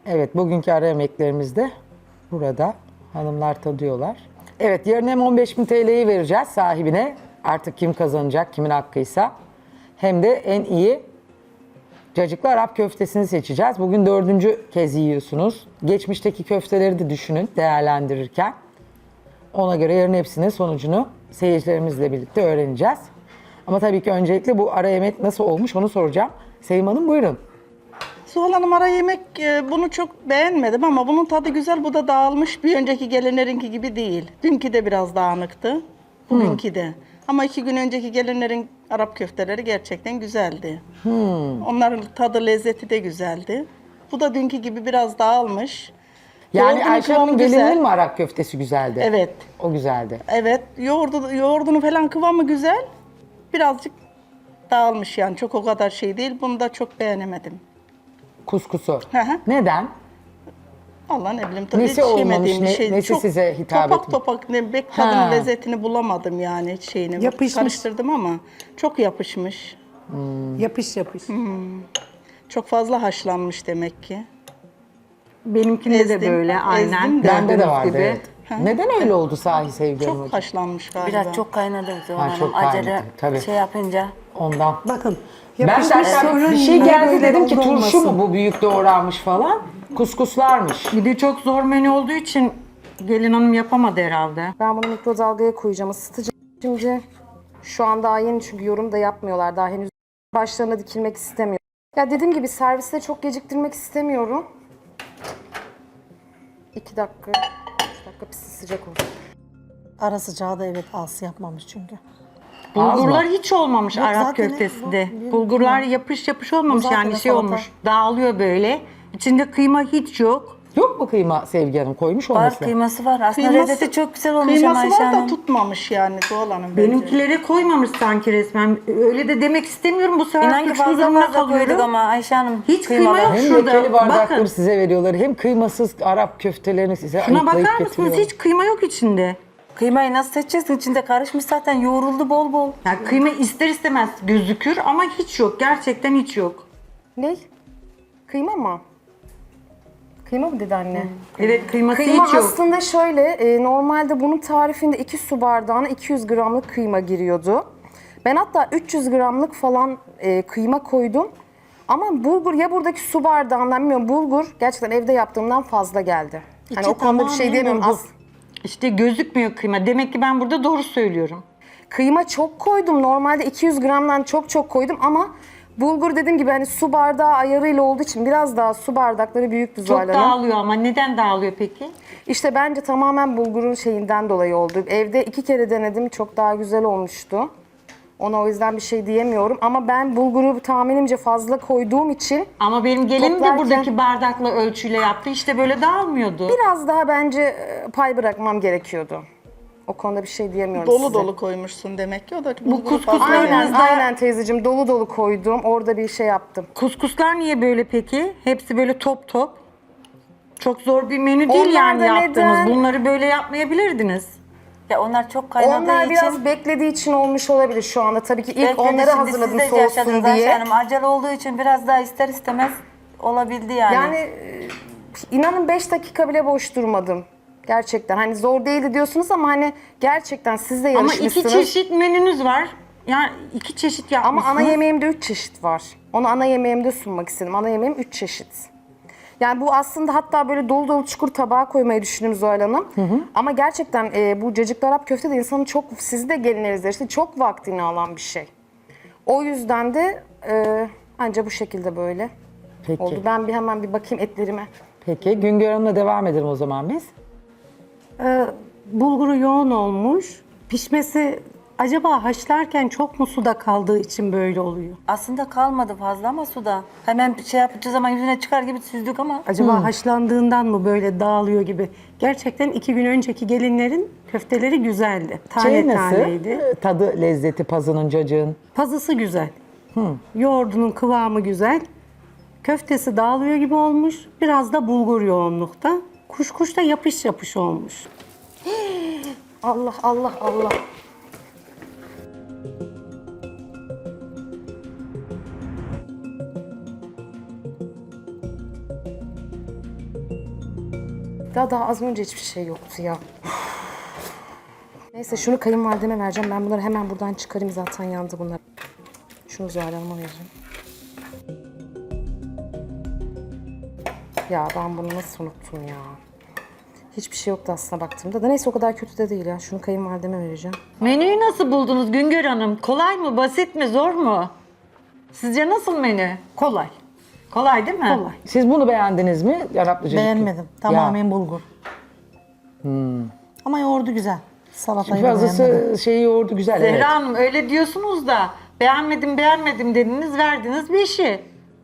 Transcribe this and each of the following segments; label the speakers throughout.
Speaker 1: Evet, bugünkü ara yemeklerimiz de burada. Hanımlar tadıyorlar. Evet, yarın hem 15.000 TL'yi vereceğiz sahibine. Artık kim kazanacak, kimin hakkıysa. Hem de en iyi cacıklı Arap köftesini seçeceğiz. Bugün 4. kez yiyorsunuz. Geçmişteki köfteleri de düşünün değerlendirirken. Ona göre yarın hepsinin sonucunu seyircilerimizle birlikte öğreneceğiz. Ama tabii ki öncelikle bu ara yemek nasıl olmuş onu soracağım. Sevim Hanım buyurun.
Speaker 2: Zuhal Hanım ara yemek bunu çok beğenmedim ama bunun tadı güzel. Bu da dağılmış. Bir önceki gelinlerinki gibi değil. Dünkü de biraz dağınıktı. Bugünkü de. Ama 2 gün önceki gelinlerin Arap köfteleri gerçekten güzeldi. Onların tadı lezzeti de güzeldi. Bu da dünkü gibi biraz dağılmış.
Speaker 1: Yani
Speaker 2: Yoğurdunun
Speaker 1: Ayşe
Speaker 2: kıvamı
Speaker 1: Hanım
Speaker 2: güzel.
Speaker 1: gelinin mi Arap köftesi güzeldi?
Speaker 2: Evet.
Speaker 1: O güzeldi.
Speaker 2: Evet. Yoğurdunu falan kıvamı güzel. Birazcık dağılmış yani. Çok o kadar şey değil. Bunu da çok beğenemedim.
Speaker 1: Kuskusu.
Speaker 2: Hı hı.
Speaker 1: Neden?
Speaker 2: Allah ne bileyim tabii
Speaker 1: Nesi
Speaker 2: hiç
Speaker 1: olmamış,
Speaker 2: yemediğim bir şey.
Speaker 1: nesi
Speaker 2: Çok
Speaker 1: size hitap
Speaker 2: topak
Speaker 1: etmiyor?
Speaker 2: topak ne bek
Speaker 1: Ha.
Speaker 2: tadının lezzetini bulamadım yani şeyini.
Speaker 3: Yapışmış.
Speaker 2: Karıştırdım ama çok yapışmış.
Speaker 3: Yapış yapış.
Speaker 2: Çok fazla haşlanmış demek ki.
Speaker 3: Benimkinde de
Speaker 2: Ezdim,
Speaker 3: böyle aynen.
Speaker 2: ezdim de.
Speaker 1: Bende de
Speaker 3: Gördüğünüz
Speaker 1: vardı
Speaker 3: gibi.
Speaker 1: evet. Neden öyle oldu sahi Sevgi Hanım
Speaker 2: Çok
Speaker 1: hocam?
Speaker 2: haşlanmış galiba.
Speaker 4: Biraz çok kaynadı Zuhal
Speaker 1: Ha,
Speaker 4: Hanım.
Speaker 1: çok
Speaker 4: Acele
Speaker 1: kaynadı, tabii.
Speaker 4: şey yapınca.
Speaker 1: Ondan.
Speaker 3: Bakın.
Speaker 1: Ben
Speaker 3: Yapışmış
Speaker 1: de hatta
Speaker 3: sorun
Speaker 1: bir şey
Speaker 3: ne
Speaker 1: geldi
Speaker 3: böyle
Speaker 1: dedim ki
Speaker 3: oldu
Speaker 1: turşu
Speaker 3: olmasın.
Speaker 1: mu bu büyük doğranmış falan. Kuskuslarmış.
Speaker 5: Bir de çok zor menü olduğu için gelin hanım yapamadı herhalde.
Speaker 6: Ben bunu mikrodalgaya koyacağım, ısıtacağım. Şimdi şu an daha yeni çünkü yorum da yapmıyorlar. Daha henüz başlarına dikilmek istemiyor. Ya dediğim gibi serviste çok geciktirmek istemiyorum. 2 dakika, 3 dakika pişsin sıcak olsun.
Speaker 7: Ara sıcağı da evet az yapmamış çünkü.
Speaker 5: Bulgurlar hiç olmamış
Speaker 7: Yok,
Speaker 5: Arap
Speaker 7: zaten
Speaker 5: köftesinde.
Speaker 7: bu-
Speaker 5: Bulgurlar yapış yapış olmamış
Speaker 7: Bu zaten
Speaker 5: yani şey
Speaker 7: salata.
Speaker 5: olmuş. Dağılıyor böyle. İçinde kıyma hiç yok.
Speaker 1: Yok mu kıyma Sevgi Hanım koymuş
Speaker 4: Var
Speaker 1: olması?
Speaker 4: kıyması var. Aslında
Speaker 2: Kıyması-
Speaker 4: lezzeti çok güzel olmuş ama
Speaker 2: Kıyması
Speaker 4: Ayşe
Speaker 2: var da
Speaker 4: Hanım.
Speaker 2: tutmamış yani Zuhal Hanım bence.
Speaker 5: Benimkilere koymamış sanki resmen. Öyle de demek istemiyorum. Bu sefer
Speaker 4: İnan ki
Speaker 5: suçlu
Speaker 4: fazla
Speaker 5: durumda
Speaker 4: fazla koyduk
Speaker 5: kalıyorum.
Speaker 4: ama Ayşe Hanım.
Speaker 5: Hiç
Speaker 4: kıymalı.
Speaker 5: kıyma yok.
Speaker 1: Hem
Speaker 5: Şurada,
Speaker 1: lekeli bardakları
Speaker 5: bakın.
Speaker 1: size veriyorlar hem kıymasız Arap köftelerini size
Speaker 5: Şuna
Speaker 1: ayıklayıp
Speaker 5: bakar mısınız?
Speaker 1: getiriyorlar.
Speaker 5: Hiç kıyma yok içinde.
Speaker 4: Kıymayı nasıl seçeceksin? İçinde karışmış zaten. Yoğruldu bol bol.
Speaker 5: Yani kıyma ister istemez gözükür ama hiç yok. Gerçekten hiç yok.
Speaker 6: Ne? Kıyma mı? Kıyma mı dedi anne?
Speaker 5: Evet kıyması
Speaker 6: Kıyma
Speaker 5: hiç yok.
Speaker 6: aslında şöyle, normalde bunun tarifinde 2 su bardağına 200 gramlık kıyma giriyordu. Ben hatta 300 gramlık falan kıyma koydum. Ama bulgur ya buradaki su bardağından bilmiyorum bulgur gerçekten evde yaptığımdan fazla geldi. Hani
Speaker 7: İçi
Speaker 6: o konuda bir şey
Speaker 7: tamamen
Speaker 6: diyemiyorum.
Speaker 7: bulgur.
Speaker 5: İşte gözükmüyor kıyma. Demek ki ben burada doğru söylüyorum.
Speaker 6: Kıyma çok koydum. Normalde 200 gramdan çok koydum ama bulgur dediğim gibi hani su bardağı ayarıyla olduğu için biraz daha su bardakları büyüktü
Speaker 5: Çok
Speaker 6: Zuhal Hanım.
Speaker 5: dağılıyor ama neden dağılıyor peki?
Speaker 6: İşte bence tamamen bulgurun şeyinden dolayı oldu. Evde 2 kere denedim. Çok daha güzel olmuştu. Ona o yüzden bir şey diyemiyorum. Ama ben bulguru tahminimce fazla koyduğum için
Speaker 5: Ama benim gelinim de
Speaker 6: Toplarken-
Speaker 5: buradaki bardakla ölçüyle yaptı. İşte böyle dağılmıyordu.
Speaker 6: biraz daha bence pay bırakmam gerekiyordu. O konuda bir şey diyemiyorum
Speaker 2: Dolu
Speaker 6: size.
Speaker 2: dolu koymuşsun demek ki o da
Speaker 5: kuskus
Speaker 2: fazla
Speaker 5: aynen.
Speaker 2: yani.
Speaker 6: Aynen teyzeciğim dolu dolu koydum. Orada bir şey yaptım.
Speaker 5: Kuskuslar niye böyle peki? Hepsi böyle top top. Çok zor bir menü değil
Speaker 6: Onlar
Speaker 5: yani
Speaker 6: da
Speaker 5: yaptığınız.
Speaker 6: neden?
Speaker 5: Bunları böyle yapmayabilirdiniz.
Speaker 4: Ya onlar çok kaynadığı
Speaker 6: Onlar
Speaker 4: için.
Speaker 6: biraz beklediği için olmuş olabilir şu anda. Tabii ki ilk
Speaker 4: Bekledi,
Speaker 6: onları
Speaker 4: şimdi
Speaker 6: hazırladım
Speaker 4: siz de yaşadınız
Speaker 6: soğusun
Speaker 4: Ayşe
Speaker 6: diye.
Speaker 4: Hanım. Acele olduğu için biraz daha ister istemez olabildi yani.
Speaker 6: Yani inanın 5 dakika bile boş durmadım. Gerçekten hani zor değildi diyorsunuz ama hani gerçekten siz de
Speaker 5: Ama
Speaker 6: yarışmışsınız.
Speaker 5: iki çeşit menünüz var. Yani iki çeşit
Speaker 6: Ama
Speaker 5: yapmışsınız.
Speaker 6: ana yemeğimde 3 çeşit var. Onu ana yemeğimde sunmak istedim. Ana yemeğim 3 çeşit. Yani bu aslında hatta böyle dolu dolu çukur tabağa koymayı düşündüm Zuhal Hanım. Ama gerçekten bu cacıklı Arap köfte de insanın çok, sizi de gelinlerinizde işte çok vaktini alan bir şey. O yüzden de anca bu şekilde böyle
Speaker 1: Peki.
Speaker 6: oldu. Ben hemen bir bakayım etlerime.
Speaker 1: Peki Güngör Hanım'la devam edelim o zaman biz.
Speaker 3: Bulguru yoğun olmuş. Pişmesi acaba haşlarken çok mu suda kaldığı için böyle oluyor?
Speaker 4: Aslında kalmadı fazla ama suda. Hemen şey yapacağı zaman yüzüne çıkar gibi süzdük ama.
Speaker 3: Acaba haşlandığından mı böyle dağılıyor gibi? Gerçekten 2 gün önceki gelinlerin köfteleri güzeldi. Tane
Speaker 1: Şey nasıl?
Speaker 3: taneydi.
Speaker 1: Tadı, lezzeti, pazının, cacığın.
Speaker 3: Pazısı güzel. Yoğurdunun kıvamı güzel. Köftesi dağılıyor gibi olmuş. Biraz da bulgur yoğunlukta. Kuşkuş da yapış yapış olmuş.
Speaker 6: Allah Allah Allah. Daha az önce hiçbir şey yoktu ya. Neyse şunu kayınvalideme vereceğim. Ben bunları hemen buradan çıkarayım, zaten yandı bunlar. Şunu Zuhal Hanım'a vereceğim. Ya ben bunu nasıl unuttum ya? Hiçbir şey yoktu aslında baktığımda da. Neyse o kadar kötü de değil ya. Şunu kayınvalideme vereceğim.
Speaker 5: Menüyü nasıl buldunuz Güngör Hanım? Kolay mı, basit mi, zor mu? Sizce nasıl menü?
Speaker 3: Kolay.
Speaker 5: Kolay değil mi?
Speaker 3: Kolay.
Speaker 1: Siz bunu beğendiniz mi? Araplıcı.
Speaker 7: Beğenmedim. Tamamen bulgur. Ama yoğurdu güzel. Salatayı da beğenmedim.
Speaker 1: Fazlası şeyi yoğurdu güzel.
Speaker 5: Zehra
Speaker 1: Evet.
Speaker 5: Hanım öyle diyorsunuz da beğenmedim dediniz, verdiniz 5'i.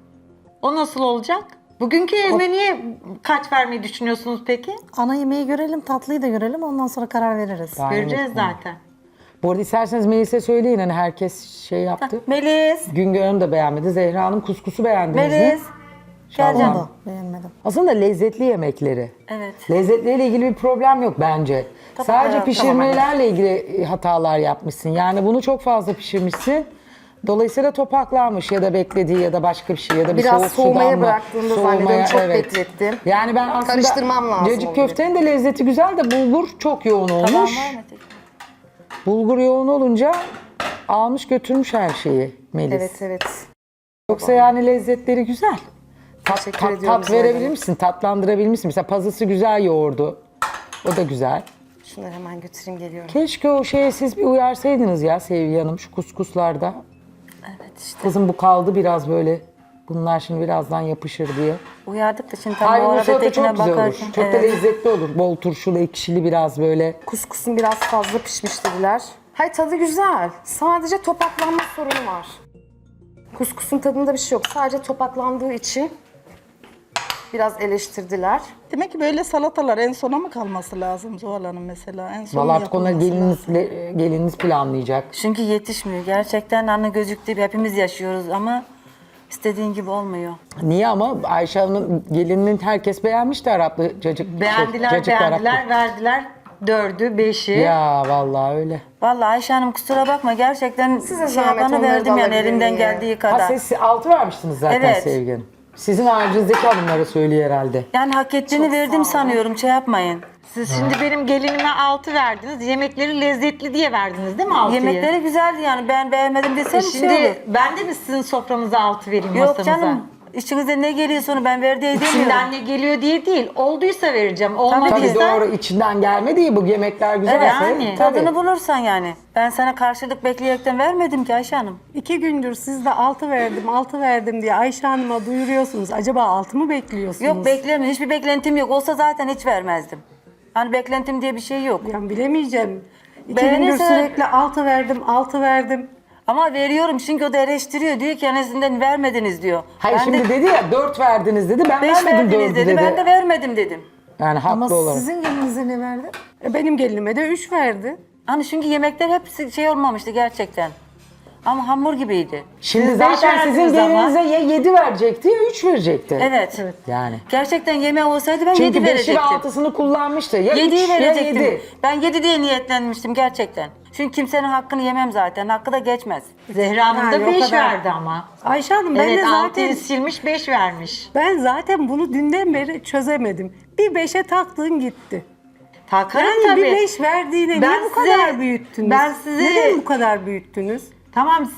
Speaker 5: O nasıl olacak? Bugünkü menüye kaç vermeyi düşünüyorsunuz peki?
Speaker 7: Ana yemeği görelim, tatlıyı da görelim. Ondan sonra karar veririz.
Speaker 1: Daha
Speaker 5: Göreceğiz
Speaker 1: evet.
Speaker 5: zaten.
Speaker 1: Bu arada isterseniz Melis'e söyleyin. Hani herkes şey yaptı.
Speaker 4: Melis.
Speaker 1: Güngör Hanım da beğenmedi. Zehra Hanım kuskusu beğendiniz mi?
Speaker 4: Melis. Geleceğim.
Speaker 7: Onu da beğenmedim.
Speaker 1: Aslında lezzetli yemekleri.
Speaker 4: Evet.
Speaker 1: Lezzetleriyle ilgili bir problem yok bence. Sadece
Speaker 4: evet,
Speaker 1: pişirmelerle ilgili hatalar yapmışsın. Yani bunu çok fazla pişirmişsin. Dolayısıyla topaklanmış ya da beklediği ya da başka bir şey ya da bir
Speaker 6: Biraz
Speaker 1: soğuk
Speaker 6: soğumaya
Speaker 1: sudan mı?
Speaker 6: bıraktığımda zannediyorum, çok beklettim.
Speaker 1: Yani ben aslında
Speaker 6: Karıştırmam lazım
Speaker 1: cacık
Speaker 6: onu
Speaker 1: köftenin de lezzeti güzel de bulgur çok yoğun olmuş.
Speaker 4: Tamam var mı tek?
Speaker 1: Bulgur yoğun olunca almış götürmüş her şeyi Melis.
Speaker 6: Evet evet.
Speaker 1: Yoksa yani lezzetleri güzel.
Speaker 6: Teşekkür ediyorum
Speaker 1: Tat
Speaker 6: Zuhal
Speaker 1: verebilir
Speaker 6: Hanım.
Speaker 1: misin? Tatlandırabilir misin? Mesela pazısı güzel yoğurdu. O da güzel.
Speaker 6: Şunları hemen götüreyim, geliyorum.
Speaker 1: Keşke o şeye siz bir uyarsaydınız ya Sevgi Hanım şu kuskuslarda.
Speaker 4: Evet işte.
Speaker 1: Kızım bu kaldı biraz böyle. Bunlar şimdi birazdan yapışır diye.
Speaker 4: Uyardık da şimdi tam
Speaker 1: Hayır
Speaker 4: o
Speaker 1: bu
Speaker 4: arada
Speaker 1: salata
Speaker 4: tekine
Speaker 1: çok güzel olur.
Speaker 4: bakarken.
Speaker 1: Çok da lezzetli olur. Bol turşulu, ekşili biraz böyle.
Speaker 6: Kuskusun biraz fazla pişmiş dediler. Hayır, tadı güzel. Sadece topaklanma sorunu var. Kuskusun tadında bir şey yok. Sadece topaklandığı için biraz eleştirdiler.
Speaker 2: Demek ki böyle salatalar en sona mı kalması lazım Zuhal Hanım mesela? En son
Speaker 1: Vallahi artık onları
Speaker 2: yapılması lazım.
Speaker 1: gelininiz planlayacak.
Speaker 4: Çünkü yetişmiyor. Gerçekten anne gözüktüğü gibi hepimiz yaşıyoruz ama istediğin gibi olmuyor.
Speaker 1: Niye ama Ayşe Hanım'ın gelininin herkes beğenmişti Araplı cacık.
Speaker 5: Beğendiler,
Speaker 1: cacık
Speaker 5: beğendiler,
Speaker 1: Araplı.
Speaker 5: verdiler 4'ü, 5'i.
Speaker 1: Ya vallahi öyle.
Speaker 4: Vallahi Ayşe Hanım kusura bakma, gerçekten
Speaker 6: Size
Speaker 4: şey
Speaker 6: zahmet,
Speaker 4: yapanı
Speaker 6: onları
Speaker 4: verdim
Speaker 6: da
Speaker 4: yani
Speaker 6: alabilir
Speaker 4: elimden
Speaker 6: miyim?
Speaker 4: geldiği
Speaker 1: Ha
Speaker 4: kadar.
Speaker 1: siz 6 vermiştiniz zaten
Speaker 4: Evet.
Speaker 1: Sevgi Hanım. Sizin haricinizdeki hanımlara söylüyor herhalde.
Speaker 4: Yani hak ettiğini verdim sanıyorum, şey yapmayın.
Speaker 5: Siz şimdi benim gelinime 6 verdiniz. Yemekleri lezzetli diye verdiniz değil mi 6'yı?
Speaker 4: Yemekleri güzeldi yani, ben beğenmedim desem şey
Speaker 5: Şimdi
Speaker 4: olur.
Speaker 5: ben de mi sizin sofranıza 6 vereyim
Speaker 4: Yok
Speaker 5: masamıza?
Speaker 4: canım, içinize ne geliyorsa onu ben ver diye demiyorum.
Speaker 5: İçinden ne geliyor diye değil. Olduysa vereceğim.
Speaker 1: Tabii
Speaker 5: Olmadıysa
Speaker 1: doğru içinden gelmedi ya bu yemekler güzelse.
Speaker 5: yani.
Speaker 1: Tabii.
Speaker 4: Tadını bulursan yani. Ben sana karşılık bekleyerekten vermedim ki Ayşe Hanım.
Speaker 3: 2 gündür siz de 6 verdim, 6 verdim diye Ayşe Hanım'a duyuruyorsunuz. Acaba 6 mı bekliyorsunuz?
Speaker 4: Yok beklemiyorum. Hiçbir beklentim yok. Olsa zaten hiç vermezdim. Hani beklentim diye bir şey yok.
Speaker 3: Yani bilemeyeceğim. 2 gündür
Speaker 4: Beğenirse-
Speaker 3: sürekli 6 verdim, 6 verdim.
Speaker 4: Ama veriyorum çünkü o da eleştiriyor. Diyor ki en azından vermediniz diyor.
Speaker 1: Hayır
Speaker 4: ben
Speaker 1: şimdi
Speaker 4: de
Speaker 1: dedi ya 4 verdiniz dedi. Ben
Speaker 4: 5
Speaker 1: vermedim
Speaker 4: verdiniz
Speaker 1: 4'ü
Speaker 4: dedi.
Speaker 1: dedi.
Speaker 4: Ben de vermedim dedim.
Speaker 1: Yani haklı
Speaker 7: Ama
Speaker 1: olarak.
Speaker 7: sizin gelinize ne verdi?
Speaker 3: Benim gelinime de 3 verdi.
Speaker 4: Hani çünkü yemekler hepsi şey olmamıştı gerçekten. Ama hamur gibiydi.
Speaker 1: Şimdi
Speaker 5: Siz beş
Speaker 1: zaten sizin
Speaker 5: verdiniz ama.
Speaker 1: gelinize ya 7 verecekti ya 3 verecekti.
Speaker 4: Evet.
Speaker 1: Yani.
Speaker 4: Gerçekten yemeği olsaydı ben 7
Speaker 1: Çünkü 5'i ve
Speaker 4: verecektim.
Speaker 1: 6'sını kullanmıştı. Ya
Speaker 4: 7'yi
Speaker 1: 3 ya
Speaker 4: verecektim.
Speaker 1: 7.
Speaker 4: Ben 7 diye niyetlenmiştim gerçekten. Çünkü kimsenin hakkını yemem zaten. Hakkı da geçmez.
Speaker 5: Zehra Hanım
Speaker 3: Yani
Speaker 5: da
Speaker 3: o
Speaker 5: 5
Speaker 3: kadar.
Speaker 5: verdi ama.
Speaker 3: Ayşe Hanım ben
Speaker 5: Evet
Speaker 3: de zaten
Speaker 5: 6'yı silmiş 5 vermiş.
Speaker 3: ben zaten bunu dünden beri çözemedim. Bir 5'e taktığın gitti.
Speaker 5: Takarım
Speaker 3: Yani
Speaker 5: tabii.
Speaker 3: bir 5 verdiğine
Speaker 5: Ben
Speaker 3: niye bu
Speaker 5: size-
Speaker 3: kadar büyüttünüz?
Speaker 5: ben size-
Speaker 3: Neden bu kadar büyüttünüz?
Speaker 5: Tamam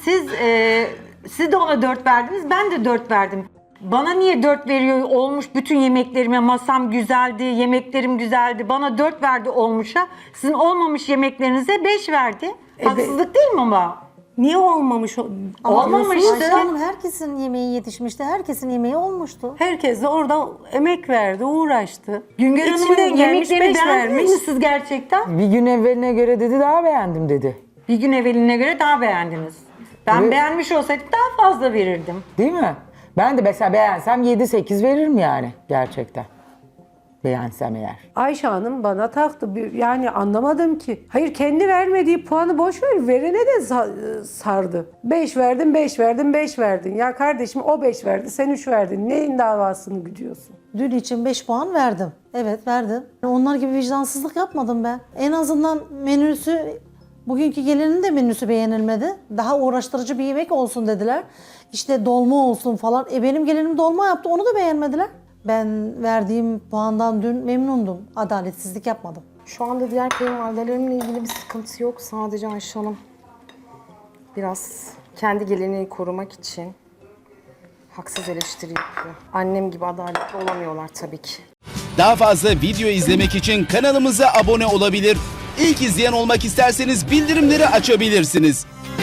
Speaker 5: siz de ona 4 verdiniz. Ben de 4 verdim. Bana niye 4 veriyor olmuş bütün yemeklerime, masam güzeldi, yemeklerim güzeldi. Bana 4 verdi olmuşa. Sizin olmamış yemeklerinize 5 verdi. Haksızlık değil mi ama?
Speaker 3: Niye olmamış?
Speaker 5: Olmamıştı.
Speaker 7: Ayşe Hanım herkesin yemeği yetişmişti. Herkesin yemeği olmuştu.
Speaker 3: Herkes de orada emek verdi, uğraştı.
Speaker 5: Güngör Hanım'ın
Speaker 3: İçinden gelmiş,
Speaker 5: yemeklerini
Speaker 3: 5
Speaker 5: beğendiniz
Speaker 3: vermiş.
Speaker 5: mi siz gerçekten?
Speaker 1: Bir gün evveline göre dedi daha beğendim dedi.
Speaker 5: Bir gün evveline göre daha beğendiniz. Ben
Speaker 1: Evet.
Speaker 5: beğenmiş olsaydım daha fazla verirdim.
Speaker 1: Değil mi? Ben de mesela beğensem 7-8 veririm yani gerçekten. Beğensem eğer.
Speaker 3: Ayşe Hanım bana taktı. Yani anlamadım ki. Hayır, kendi vermediği puanı boş ver. Verene de sardı. 5 verdin, 5 verdin, 5 verdin. Ya kardeşim o 5 verdi, sen 3 verdin. Neyin davasını güdüyorsun?
Speaker 7: Dün için 5 puan verdim. Evet verdim. Onlar gibi vicdansızlık yapmadım ben. En azından menüsü, bugünkü gelinin de menüsü beğenilmedi. Daha uğraştırıcı bir yemek olsun dediler. İşte dolma olsun falan. Benim gelinim dolma yaptı, onu da beğenmediler. Ben verdiğim puandan dün memnundum. Adaletsizlik yapmadım.
Speaker 6: Şu anda diğer kayınvalidelerimle ilgili bir sıkıntı yok. Sadece Ayşe Hanım biraz kendi geleneği korumak için haksız eleştiri yapıyor. Annem gibi adaletli olamıyorlar tabii ki.
Speaker 8: Daha fazla video izlemek için kanalımıza abone olabilir. İlk izleyen olmak isterseniz bildirimleri açabilirsiniz.